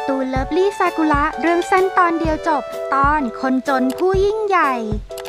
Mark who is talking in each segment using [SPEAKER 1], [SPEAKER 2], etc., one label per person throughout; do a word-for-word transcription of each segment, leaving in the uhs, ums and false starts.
[SPEAKER 1] ตูนเลิฟลี่ซากุระเรื่องสั้นตอนเดียวจบตอนคนจนผู้ยิ่งใหญ่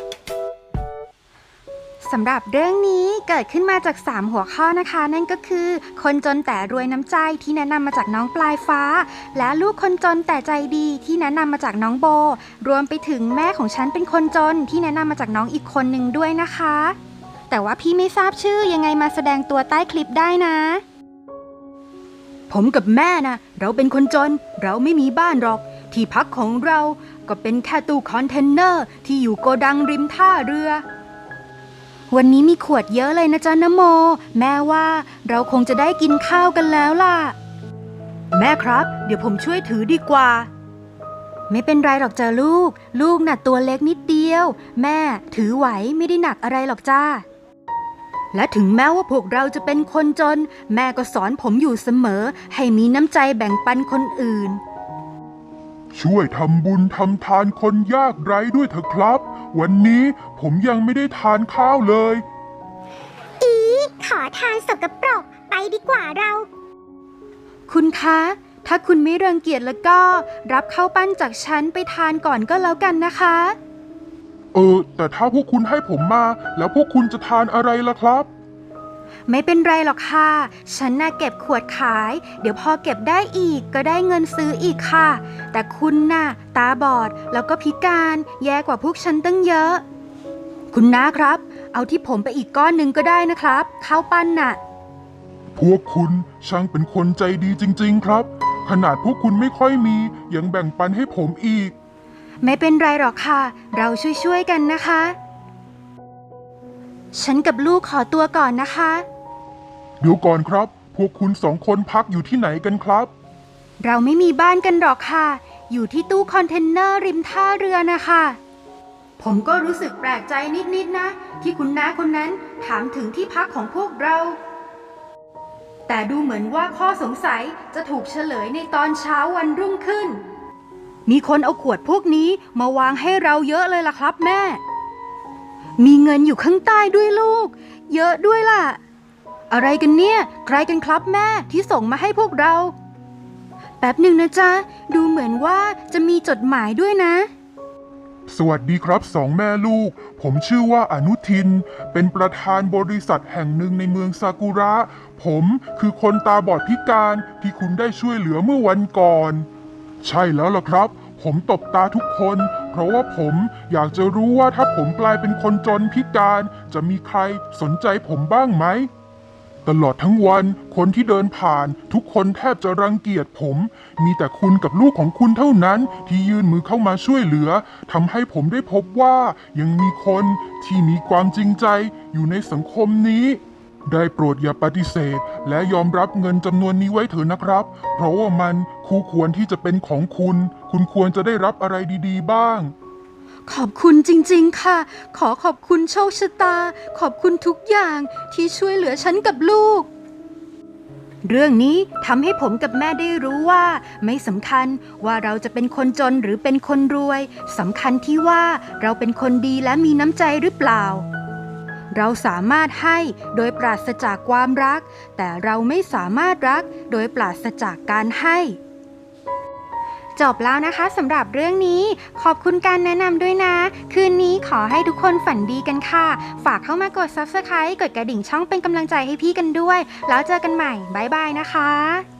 [SPEAKER 1] สำหรับเรื่องนี้เกิดขึ้นมาจากสามหัวข้อนะคะนั่นก็คือคนจนแต่รวยน้ำใจที่แนะนำมาจากน้องปลายฟ้าและลูกคนจนแต่ใจดีที่แนะนำมาจากน้องโบรวมไปถึงแม่ของฉันเป็นคนจนที่แนะนำมาจากน้องอีกคนหนึ่งด้วยนะคะแต่ว่าพี่ไม่ทราบชื่อยังไงมาแสดงตัวใต้คลิปได้นะผมกับแม่นะเราเป็นคนจนเราไม่มีบ้านหรอกที่พักของเราก็เป็นแค่ตู้คอนเทนเนอร์ที่อยู่โกดังริมท่าเรือวันนี้มีขวดเยอะเลยนะจ๊ะนะโมแม่ว่าเราคงจะได้กินข้าวกันแล้วล่ะแม่ครับเดี๋ยวผมช่วยถือดีกว่าไม่เป็นไรหรอกจ้ะลูกลูกน่ะตัวเล็กนิดเดียวแม่ถือไหวไม่ได้หนักอะไรหรอกจ้าและถึงแม้ว่าพวกเราจะเป็นคนจนแม่ก็สอนผมอยู่เสมอให้มีน้ำใจแบ่งปันคนอื่น
[SPEAKER 2] ช่วยทำบุญทำทานคนยากไร้ด้วยเถอะครับวันนี้ผมยังไม่ได้ทานข้าวเลย
[SPEAKER 3] อีขอทานสกปรกไปดีกว่าเรา
[SPEAKER 1] คุณคะถ้าคุณไม่รังเกียจแล้วก็รับข้าวปั้นจากฉันไปทานก่อนก็แล้วกันนะคะ
[SPEAKER 2] เออแต่ถ้าพวกคุณให้ผมมาแล้วพวกคุณจะทานอะไรล่ะครับ
[SPEAKER 1] ไม่เป็นไรหรอกค่ะฉันน่ะเก็บขวดขายเดี๋ยวพอเก็บได้อีกก็ได้เงินซื้ออีกค่ะแต่คุณน่ะตาบอดแล้วก็พิการแย่กว่าพวกฉันตั้งเยอะคุณน้าครับเอาที่ผมไปอีกก้อนหนึ่งก็ได้นะครับข้าวปั้นน่ะ
[SPEAKER 2] พวกคุณช่างเป็นคนใจดีจริงๆครับขนาดพวกคุณไม่ค่อยมียังแบ่งปันให้ผมอีก
[SPEAKER 1] ไม่เป็นไรหรอกค่ะเราช่วยๆกันนะคะฉันกับลูกขอตัวก่อนนะคะ
[SPEAKER 2] เดี๋ยวก่อนครับพวกคุณสองคนพักอยู่ที่ไหนกันครับ
[SPEAKER 1] เราไม่มีบ้านกันหรอกค่ะอยู่ที่ตู้คอนเทนเนอร์ริมท่าเรือนะคะผมก็รู้สึกแปลกใจนิดๆนะที่คุณน้าคนนั้นถามถึงที่พักของพวกเราแต่ดูเหมือนว่าข้อสงสัยจะถูกเฉลยในตอนเช้าวันรุ่งขึ้นมีคนเอาขวดพวกนี้มาวางให้เราเยอะเลยล่ะครับแม่มีเงินอยู่ข้างใต้ด้วยลูกเยอะด้วยล่ะอะไรกันเนี่ยใครกันครับแม่ที่ส่งมาให้พวกเราแป๊บหนึ่งนะจ๊ะดูเหมือนว่าจะมีจดหมายด้วยนะ
[SPEAKER 2] สวัสดีครับสองแม่ลูกผมชื่อว่าอนุทินเป็นประธานบริษัทแห่งหนึ่งในเมืองซากุระผมคือคนตาบอดพิการที่คุณได้ช่วยเหลือเมื่อวันก่อนใช่แล้วล่ะครับผมตบตาทุกคนเพราะว่าผมอยากจะรู้ว่าถ้าผมกลายเป็นคนจนพิการจะมีใครสนใจผมบ้างไหมตลอดทั้งวันคนที่เดินผ่านทุกคนแทบจะรังเกียจผมมีแต่คุณกับลูกของคุณเท่านั้นที่ยื่นมือเข้ามาช่วยเหลือทำให้ผมได้พบว่ายังมีคนที่มีความจริงใจอยู่ในสังคมนี้ได้โปรดอย่าปฏิเสธและยอมรับเงินจำนวนนี้ไว้เถอะนะครับเพราะว่ามันคู่ควรที่จะเป็นของคุณคุณควรจะได้รับอะไรดีๆบ้าง
[SPEAKER 1] ขอบคุณจริงๆค่ะขอขอบคุณโชคชะตาขอบคุณทุกอย่างที่ช่วยเหลือฉันกับลูกเรื่องนี้ทำให้ผมกับแม่ได้รู้ว่าไม่สำคัญว่าเราจะเป็นคนจนหรือเป็นคนรวยสำคัญที่ว่าเราเป็นคนดีและมีน้ำใจหรือเปล่าเราสามารถให้โดยปราศจากความรักแต่เราไม่สามารถรักโดยปราศจากการให้จบแล้วนะคะสำหรับเรื่องนี้ขอบคุณการแนะนำด้วยนะคืนนี้ขอให้ทุกคนฝันดีกันค่ะฝากเข้ามากด ซับสไครบ์ กดกระดิ่งช่องเป็นกำลังใจให้พี่กันด้วยแล้วเจอกันใหม่บ๊ายบายนะคะ